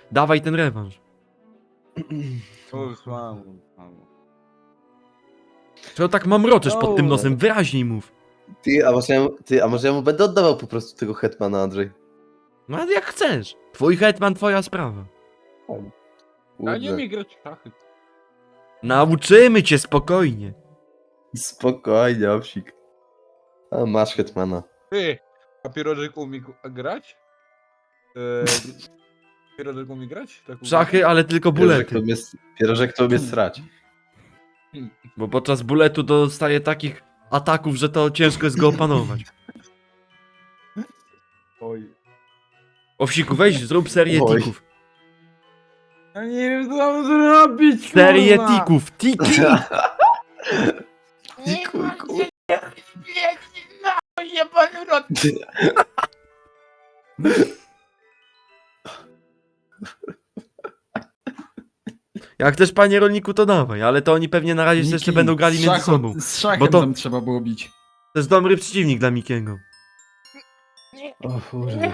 Dawaj ten rewanż. Mam. Czego tak mamroczesz pod tym nosem? Wyraźniej mów. A może ja mu będę oddawał po prostu tego hetmana, Andrzej? No ale jak chcesz. Twój hetman, twoja sprawa. Ja nie Kurde. umiem grać w szachy. Nauczymy cię spokojnie. Spokojnie, owsik. A masz hetmana. Ty, a pierożek umie grać? Pierożek umie grać? Tak umie? Szachy, ale tylko bulety. Pierożek to umie srać. Bo podczas buletu dostaje takich ataków, że to ciężko jest go opanować. Oj. Owsiku, weź, zrób serię Oj. tików. Ja nie wiem, co mam zrobić, Serię kurwa. tików, tiki! Dziku. Jak chcesz, panie rolniku, to dawaj, ale to oni pewnie na razie jeszcze Miki, będą grali między sobą. Z szachem Bo to- tam trzeba było bić. To jest dobry przeciwnik dla Mikiego. O kurde.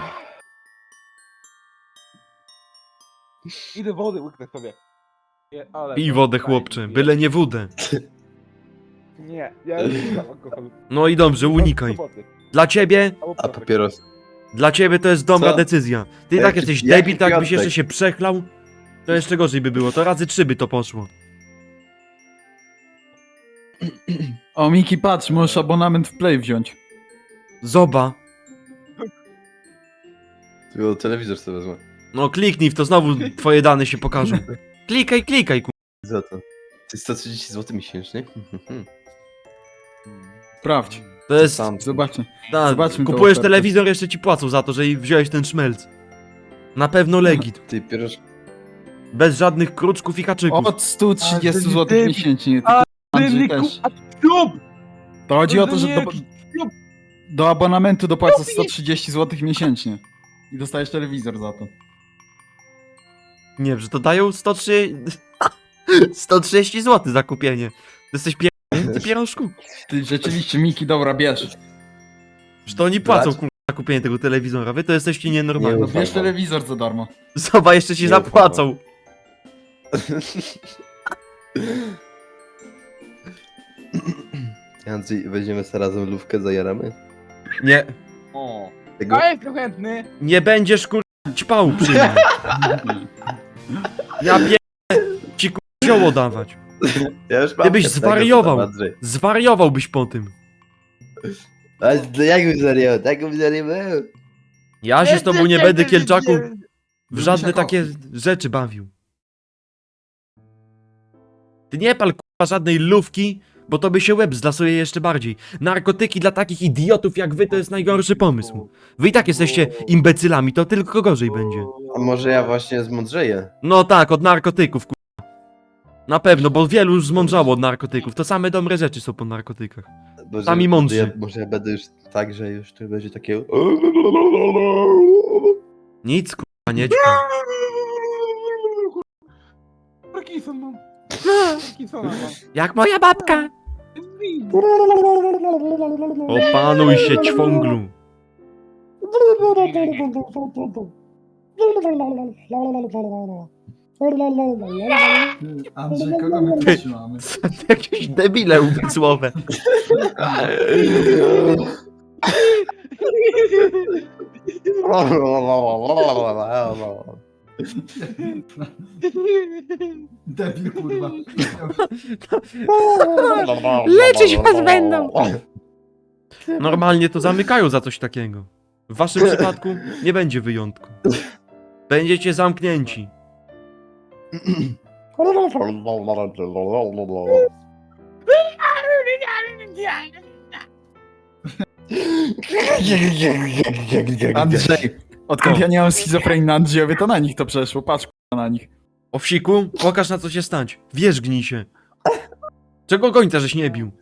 Idę wody łyknę sobie. Nie, ale... Pij wodę, chłopcze, byle nie wódę. Nie, ja nie piję alkoholu. No i dobrze, unikaj. Dla ciebie, Albo A papryk. papieros. dla ciebie to jest dobra Co? decyzja. Ty i Jaki- tak jesteś jaki debil, to jakbyś Piotrek? jeszcze się przechlał, to jeszcze gorzej by było, to razy 3 by to poszło. O, Miki, patrz, możesz abonament w Play wziąć. Zoba. Tylko telewizor sobie wezmę. No kliknij w to, znowu twoje dane się pokażą. Klikaj, Za to. To jest 130 zł miesięcznie? Sprawdź, To jest... Sam. zobaczcie. Ta, zobaczmy tą kupujesz ofertę. telewizor, jeszcze ci płacą za to, że wziąłeś ten szmelc. Na pewno legit. Ty pierożek. Bez żadnych kruczków i haczyków. Od 130 Ale zł ty- miesięcznie. Ty, A, Andrzej też. A ślub! To chodzi o to, że Nie, do, ślub! do abonamentu dopłacasz 130 zł miesięcznie. I dostajesz telewizor za to. Nie, że to dają 130 zł za kupienie. Ty jesteś ty pierożku. Ty rzeczywiście, Miki, dobra, bierz. Że to oni płacą Brać? kurwa za kupienie tego telewizora. Wy to jesteście nienormalni. No Nie bierz ufam. telewizor za darmo. Zobacz, jeszcze ci Nie zapłacą. Andrzej, weźmiemy sobie razem lówkę, zajaramy? Nie, O. Tego? A jestem chętny. nie będziesz kurwa ćpał przy mnie. Ja ci kurwa zioło dawać. Ja już mam Ty byś chętnego, zwariował. co tam, Andrzej. Zwariowałbyś po tym. Ale jakby serio, jakby serio był. Ja się z tobą nie będę, Kielczaku, w Lubisz żadne jak takie owcy. rzeczy bawił. Ty nie pal kurwa żadnej lówki, bo to by się łeb zlasuje jeszcze bardziej. Narkotyki dla takich idiotów jak wy to jest najgorszy pomysł. Wy i tak jesteście imbecylami, to tylko gorzej będzie. A może ja właśnie zmądrzeję? No tak, od narkotyków kurwa. Na pewno, bo wielu już zmądrzało od narkotyków. To same dobre rzeczy są po narkotykach. Może, Sami mądrzy. Może ja będę już tak, że już to będzie takie... Nic kurwa nie ćpa. Parkinson mam. Parkinsona mam. Jak moja babka. Opanuj się, ćwąglu. Andrzej, kogo my tu trzymamy? Jakieś debile umysłowe. Debil, kurwa. Leczyć was będą. Normalnie to zamykają za coś takiego. W waszym przypadku nie będzie wyjątku. Będziecie zamknięci. Andrzej, odkąd ja nie mam schizofrenii na Andrzejowie, to na nich to przeszło. Patrz, kurwa, na nich. Owsiku, pokaż na co się stać. Wierzgnij się. Czego gońca żeś nie bił?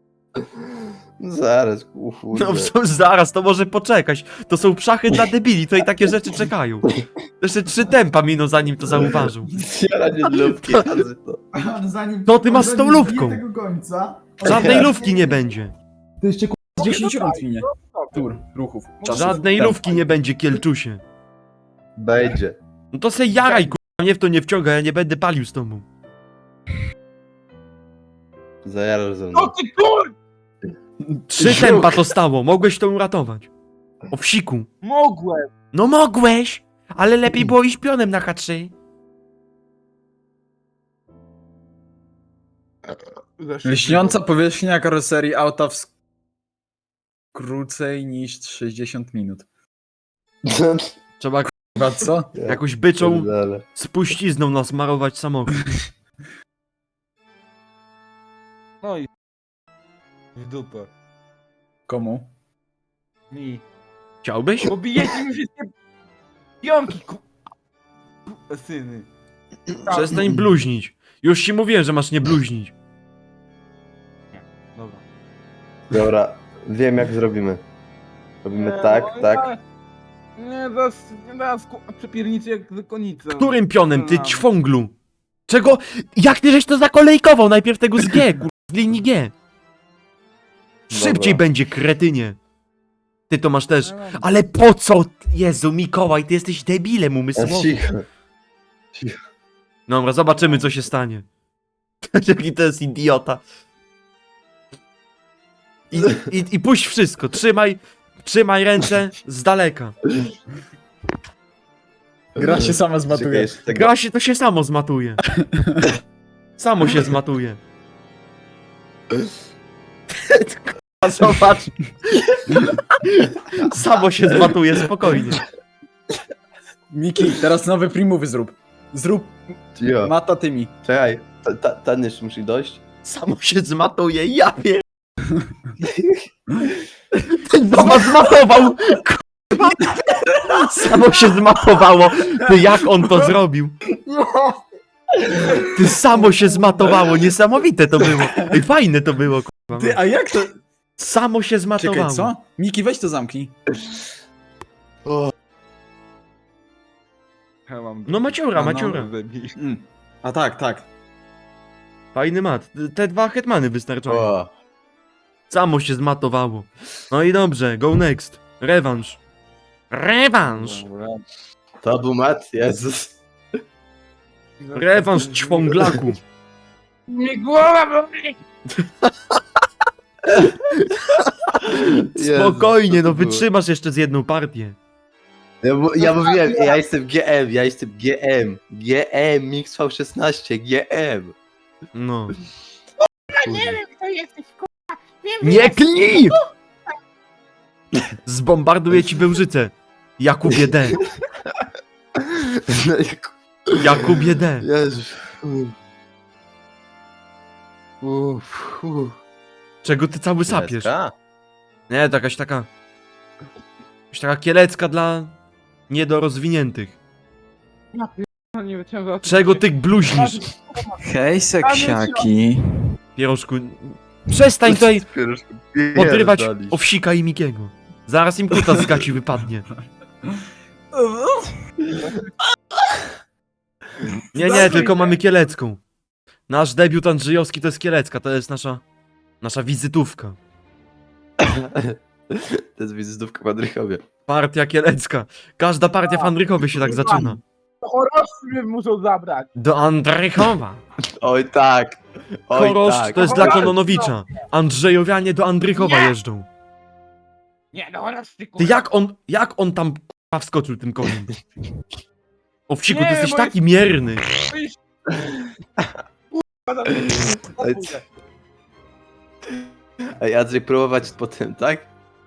Zaraz, kurde. No zaraz, to może poczekać. To są szachy dla debili, to i takie rzeczy czekają. Jeszcze 3 tempa minął zanim to zauważył. Zjaranie lówki, razy to. Ale zanim... To ty masz z tą zanim lówką. zbije tego gońca... Żadnej lówki nie będzie. To jeszcze kurwa 10 rund minie. Tur, ruchów. Żadnej lówki nie będzie, Kielczusie. Będzie. No to se jaraj, kurwa, mnie w to nie wciąga, ja nie będę palił z tobą. Zajarasz ze No mną. ty kur... 3 tempa to stało, mogłeś to uratować. O wsiku. Mogłem! No mogłeś, ale lepiej było iść pionem na H3. Lśniąca powierzchnia karoserii auta w krócej niż 60 minut. Trzeba Chyba co? jakąś byczą Pierdolę. spuścizną nasmarować samochód. No i... W dupę. Komu? Mi. Chciałbyś? Bo bijecie mi wszystkie... Pionki, syny. Przestań bluźnić. Już ci mówiłem, że masz nie bluźnić. Dobra. Dobra, wiem jak zrobimy. Robimy Nie, tak, no, tak. Nie, zaraz przepiernicy jak zakonnica. Którym pionem, ty ćwąglu? Czego? Jak ty żeś to zakolejkował? Najpierw tego z G, kur... z linii G. Szybciej Dobra. będzie, kretynie. Ty to masz też. Ale po co? Jezu, Mikołaj, ty jesteś debilem umysłowym. Cicho. Dobra, zobaczymy co się stanie. Jaki to jest idiota. I puść wszystko, trzymaj ręce z daleka. Gra się sama Czekaj, zmatuje. jeszcze tego. Gra się, to się samo zmatuje. Samo się zmatuje. Kurwa, zobacz. Samo się zmatuje, spokojnie. Miki, teraz nowe primowy zrób. Zrób Cicho. mata tymi. Czekaj, ten jeszcze musi dojść. Samo się zmatuje, ja wiem. Ten zobacz, zmatował. Kurwa. Samo się zmatowało. Ty, jak on to zrobił? Ty, samo się zmatowało, niesamowite to było. Ej, fajne to było, kurwa. Ty, a jak to? Samo się zmatowało. Czekaj, co? Miki, weź to zamknij. Ja mam... No maciura, A, no. maciura. A tak. Fajny mat. Te 2 hetmany wystarczają. O, Samo się zmatowało. No i dobrze, go next. Rewanż. Rewanż! Dobra. to był mat, Jezus. Rewanż ćwąglaku. Mi głowa boli! Spokojnie, no Jezus, to było. wytrzymasz jeszcze z jedną partię. Ja mówiłem, ja jestem GM, ja jestem GM. GM, Mix V16, GM. No. Nie wiem kto jesteś, kurwa! Nie klnij! Zbombarduję ci Bełżycę. Jakubie D. Jakubie D. Jezus. Czego ty cały sapiesz? Deska? Nie, to jakaś taka kielecka dla niedorozwiniętych. Nie wyciągam. Czego ty bluźnisz, Hej, seksiaki. pierożku? Przestań tutaj podrywać Pierdolisz. Owsika i Mikiego. Zaraz im kuta z gaci wypadnie. Nie, tylko mamy kielecką. Nasz debiut Andrzejowski to jest kielecka, to jest nasza wizytówka. To jest wizytówka w Andrychowie. Partia kielecka. Każda partia w Andrychowie się tak zaczyna. Chorosy mnie muszą zabrać. Do Andrychowa. Oj tak. Oj Chorosz tak. to jest dla Kononowicza. Andrzejowianie do Andrychowa jeżdżą. Nie, no chorosy, Ty kurwa. jak on tam k***a wskoczył tym koniem? Owsiku, ty Nie, jesteś bo taki mierny. Ej, Ej, Andrzej, próbować potem, tak?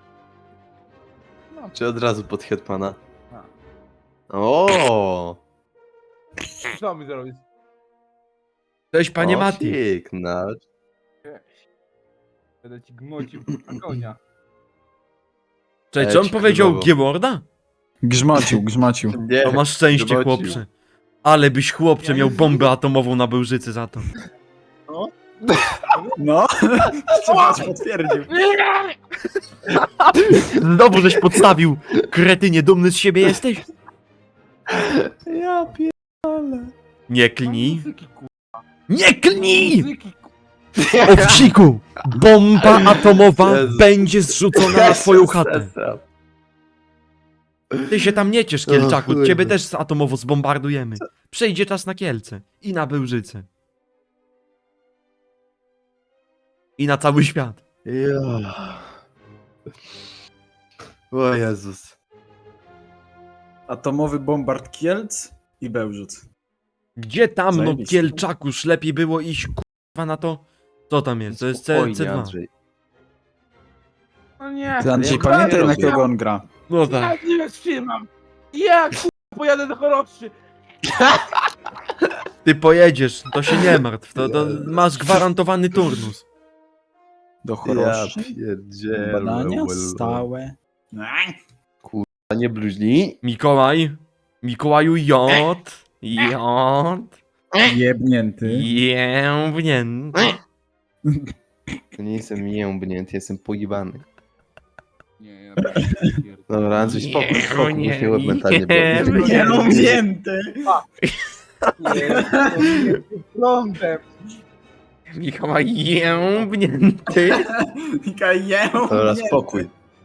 No. Czy od razu pod Hetmana? A. O! Co mi zrobić? Cześć, panie o, Mati. Piękna. Będę ci gmocił kurwa konia. Cześć, czy on Eć, powiedział królowo. G-Worda? Grzmacił. Nie, To masz szczęście, zobaczył. chłopcze. Ale byś, chłopcze, miał bombę atomową na Bełżycy za to. No, Szczepasz potwierdził. Znowu żeś podstawił. Kretynie, dumny z siebie jesteś? Ja pierdolę. Nie klnij. Muzyki, kurwa. Nie klnij! Muzyki, kurwa. Owsiku! Bomba atomowa Jezu. będzie zrzucona na twoją chatę. Ty się tam nie ciesz, Kielczaku, kurde. ciebie też atomowo zbombardujemy. Przejdzie czas na Kielce i na Bełżyce. I na cały świat. Ja. O Jezus. Atomowy bombard Kielc i Bełżuc. Gdzie tam, no Zajebiście. Kielczakuż, lepiej było iść kurwa na to. Co tam jest? To jest Spokojnie, C2. Andrzej. No nie. Ty, Andrzej, Ja pamiętaj, na rozumiem. kogo on gra. No tak. Ja nie wytrzymam. Ja pojadę do Choroszczy. Ty pojedziesz, to się nie martw. To masz gwarantowany turnus. Do Ja Choroszczy. pierdzielę. Badania stałe. A nie bluźnij? Mikołaj. Mikołaju J. J. Jebnięty. Jębnięty. To nie jestem jębnięty, jestem pojebany. Nie, ja Dobra, Andrzej, spokój, Nie, spokój, nie, musimy łeb mentalnie nie, było. Jebnięty. nie. Prądem. Mikołaj jębnięty. Dobra, spokój.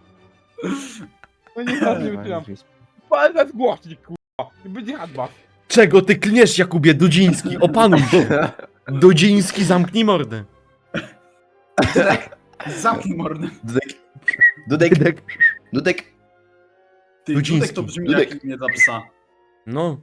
No nie wytrzymam. Palec głośnik, kurwa. Będzie hadba. Czego ty klniesz, Jakubie Dudziński? Opanuj się. Dudziński, zamknij mordę. Zamknij mordę. Dudek, Dudek, Dudek. Ty, Dudziński. Dudek to brzmi Dudek. jak imię dla psa. No.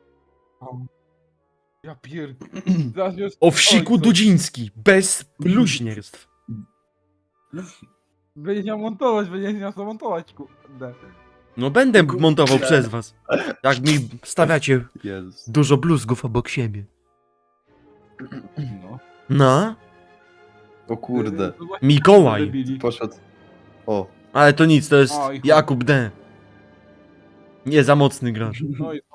Ja pierd... Zaraz już... Owsiku Oj, co- Dudziński. Bez bluźnierstw. Będziesz miał montować, będziesz miał co montować, kurde. No będę montował przez was. Jak mi stawiacie Jezus. dużo bluzgów obok siebie. No. No. O kurde. Mikołaj. Poszedł. O. Ale to nic, to jest Oj, chuj. Jakub D. Nie za mocny gracz. No i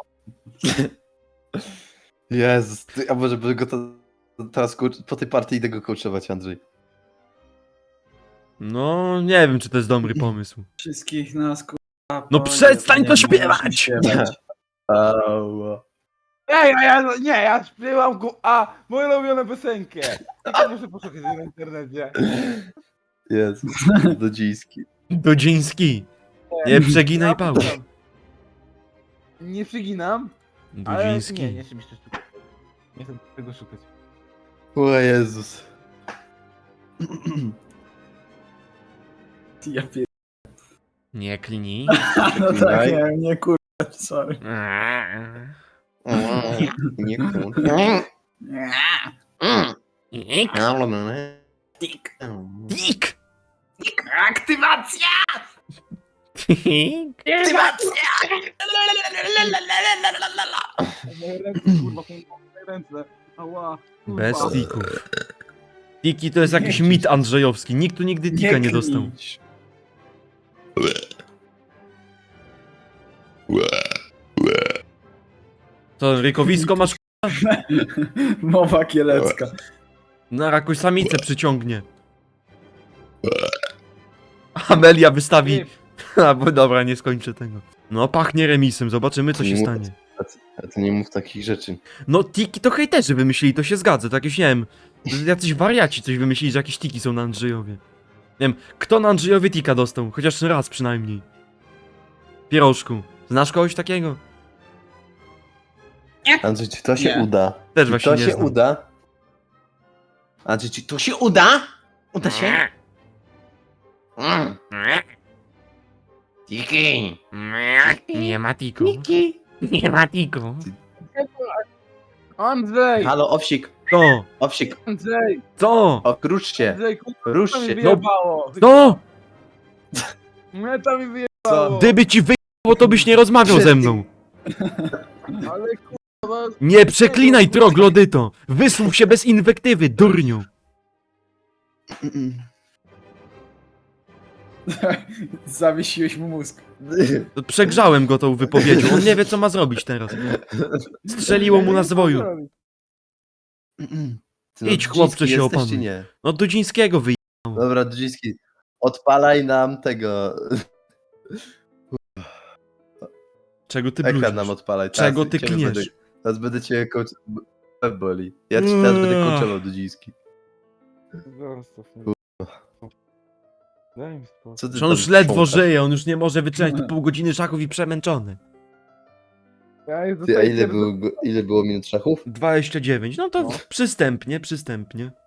Jezus. Ty, a może by go teraz po tej partii idę go coachować, Andrzej. No, nie wiem, czy to jest dobry pomysł. Wszystkich nas, kurwa. No przestań to nie śpiewać! możesz śpiewać. Ała. ja śpiewam moją ulubioną piosenkę. Tylko muszę poszukać na internecie. Jezus. Dudziński. Dudziński. Nie przeginaj pałki. Nie przeginam, ale nie Dudziński. chcę mi się szukać. Nie chcę tego szukać. O Jezus. Ja pier... Nie klnij. No tak, nie kurwa, sorry. Nie kur... Tik. Tik. Aktywacja! Tik. Moje ręce, kurwa, są moje ręce. Ała, kurwa. Bez tików. Tiki to jest jakiś mit andrzejowski. Nikt tu nigdy tika nie dostał. To rykowisko masz Mowa kielecka. na jakąś samicę przyciągnie. Amelia wystawi. Bo dobra, nie skończę tego. No, pachnie remisem, zobaczymy co się Nie stanie. A ty nie mów takich rzeczy. No, tiki to hejterzy wymyślili, to się zgadza, to jakieś, nie wiem, jacyś wariaci coś wymyślili, że jakieś tiki są na Andrzejowie. Nie wiem, kto na Andrzejowie tika dostał? Chociaż raz przynajmniej. Pierożku, znasz kogoś takiego? Andrzej, czy to się Nie. uda? Też Czy właśnie to nie się znam. uda? Andrzej, czy to się uda? Uda się? Tiki. Nie ma tiku. Nie ma tiku. Andrzej! Halo, owsik. Co? Owsik. Andrzej! Co? O, rusz się. Andrzej, kurwa, Rusz to mi się. wyjebało! Co? Mnie to mi wyjebało! Co? Gdyby ci wyjebało, to byś nie rozmawiał ze mną. Ale kurwa... Nie przeklinaj, troglodyto. Wysłów się bez inwektywy, durniu. Zawiesiłeś mu mózg. Przegrzałem go tą wypowiedzią, on nie wie co ma zrobić teraz. Strzeliło mu na zwoju. Ty, Idź, Dudziński chłopcze, się jesteś, opanuj. czy nie? No Dudzińskiego wyje... Dobra, Dudziński, odpalaj nam tego. Czego ty Ekran bluźnisz? nam odpalaj. Czego ty ciebie klniesz? Teraz będę cię boli. Ja ci teraz będę coachował, Dudziński. Zostaw mnie. Daj mi spokój. Co ty Że on tam już ledwo chrząkasz? żyje, on już nie może wytrzymać tu pół godziny szachów i przemęczony. Ja już Ty, a dostaję ile pierdol- było minut szachów? 29, no to No. przystępnie, przystępnie.